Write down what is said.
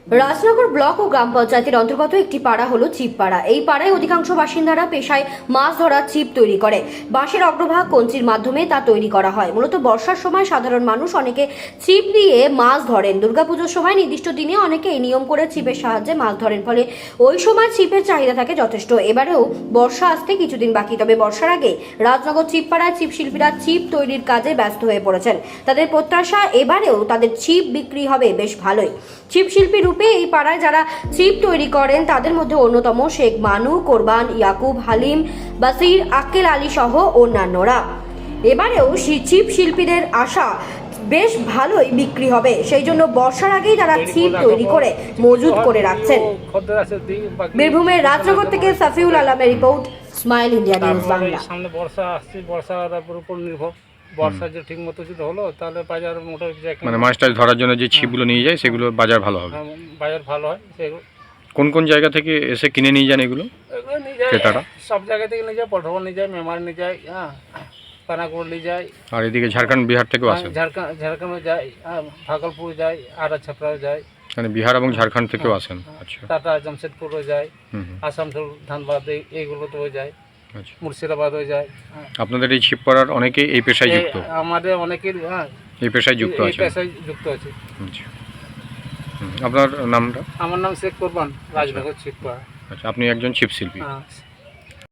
Rajnagar block ও গ্রাম পঞ্চায়েতের অন্তর্গত একটি পাড়া হলো ছিপ পাড়া। এই পাড়ায় অধিকাংশ বাসিন্দারা পেশায় মাছ ধরার ছিপ তৈরি করে। বাঁশের অগ্রভাগ কঞ্চির মাধ্যমে তা তৈরি করা হয়। মূলত বর্ষার সময় সাধারণ মানুষ অনেকে ছিপ দিয়ে মাছ ধরেন। দুর্গাপুজোর সময় নির্দিষ্ট দিনে অনেকে এই নিয়ম করে ছিপের সাহায্যে মাছ ধরেন, ফলে ওই সময় ছিপের চাহিদা থাকে যথেষ্ট। এবারেও বর্ষা আসতে কিছুদিন বাকি, তবে বর্ষার আগে রাজনগর ছিপ পাড়ায় ছিপ শিল্পীরা ছিপ তৈরির কাজে ব্যস্ত হয়ে পড়েছেন। তাদের প্রত্যাশা এবারেও তাদের ছিপ বিক্রি হবে বেশ ভালোই। ছিপ শিল্পী রূপে এই পাড়ায় যারা ছিপ তৈরি করেন তাদের মধ্যে অন্যতম শেখ মানু, কোরবান, ইয়াকুব, হালিম, বাসির, আক্কেল আলী সহ অন্যান্যরা। এবারেও ছিপ শিল্পীদের আশা বেশ ভালোই বিক্রি হবে, সেই জন্য বর্ষার আগেই তারা ছিপ তৈরি করে মজুত করে রাখছেন। বীরভূমের রাজনগর থেকে সাফিউল আলমের report, smile India news Bangla. সামনে বর্ষা আসছে, বর্ষার উপর নির্ভর। বর্ষা যে ঠিক মতো যদি হলো তাহলে বাজার মোটামুটি মানে মাছ টাছ ধরার জন্য যে ছিপগুলো নিয়ে যায় সেগুলো বাজার ভালো হবে। বাজার ভালো হয়। সেগুলো কোন কোন জায়গা থেকে এসে কিনে নিয়ে যান এগুলো এগুলো নিয়ে যায় ক্রেতারা? সব জায়গা থেকে নিয়ে যায়, পটভন নিয়ে যায়, মেমার নিয়ে যায়, হ্যাঁ, পানাগড় নিয়ে যায়, আর এদিকে ঝাড়খণ্ড বিহার থেকেও আসে? ঝাড়খণ্ডে যায়, ভাগলপুর যায়, আড়া ছাপড়াও যায়, মানে বিহার এবং ঝাড়খণ্ড থেকেও আসেন। আচ্ছা, টাটা জামশেদপুরও যায়, হুম, আসানসোল, ধানবাদ এইগুলোতেও যায়, আচ্ছা। মুর্শিদাবাদও যায়। আপনাদের এই ছিপ পড়ার অনেকেই এই পেশায় যুক্ত? আমাদের অনেকের, হ্যাঁ, এই পেশায় যুক্ত এই আছে? পেশায় যুক্ত আছে। আচ্ছা, আপনার নামটা? আমার নাম শেখ কোরবান, রাজনগর ছিপপাড়া। আচ্ছা, আপনি একজন ছিপ শিল্পী। হ্যাঁ।